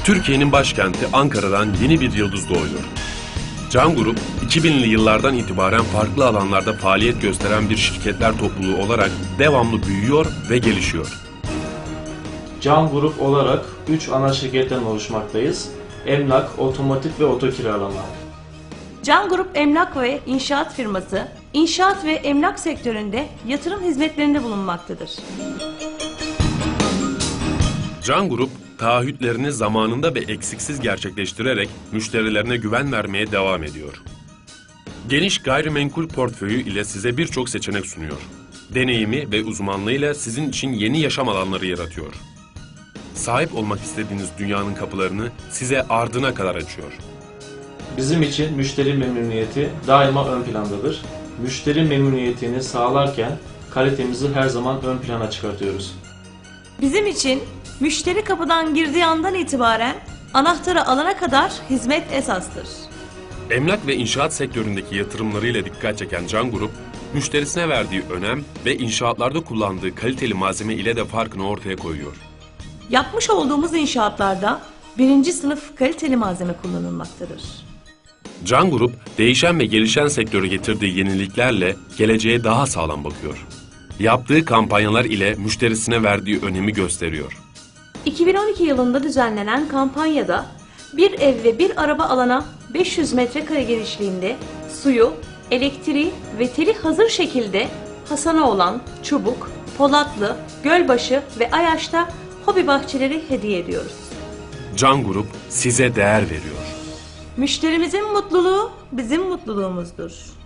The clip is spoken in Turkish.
Türkiye'nin başkenti Ankara'dan yeni bir yıldız doğuyor. Can Grup, 2000'li yıllardan itibaren farklı alanlarda faaliyet gösteren bir şirketler topluluğu olarak devamlı büyüyor ve gelişiyor. Can Grup olarak 3 ana şirketten oluşmaktayız. Emlak, otomotiv ve otokiralama. Can Grup emlak ve inşaat firması, inşaat ve emlak sektöründe yatırım hizmetlerinde bulunmaktadır. Can Grup, taahhütlerini zamanında ve eksiksiz gerçekleştirerek müşterilerine güven vermeye devam ediyor. Geniş gayrimenkul portföyü ile size birçok seçenek sunuyor. Deneyimi ve uzmanlığıyla sizin için yeni yaşam alanları yaratıyor. Sahip olmak istediğiniz dünyanın kapılarını size ardına kadar açıyor. Bizim için müşteri memnuniyeti daima ön plandadır. Müşteri memnuniyetini sağlarken kalitemizi her zaman ön plana çıkartıyoruz. Bizim için müşteri kapıdan girdiği andan itibaren anahtarı alana kadar hizmet esastır. Emlak ve inşaat sektöründeki yatırımlarıyla dikkat çeken Can Grup, müşterisine verdiği önem ve inşaatlarda kullandığı kaliteli malzeme ile de farkını ortaya koyuyor. Yapmış olduğumuz inşaatlarda 1. sınıf kaliteli malzeme kullanılmaktadır. Can Grup, değişen ve gelişen sektörü getirdiği yeniliklerle geleceğe daha sağlam bakıyor. Yaptığı kampanyalar ile müşterisine verdiği önemi gösteriyor. 2012 yılında düzenlenen kampanyada bir ev ve bir araba alana 500 metrekare genişliğinde suyu, elektriği ve teli hazır şekilde Hasanoğlan, Çubuk, Polatlı, Gölbaşı ve Ayaş'ta hobi bahçeleri hediye ediyoruz. Can Grup size değer veriyor. Müşterimizin mutluluğu bizim mutluluğumuzdur.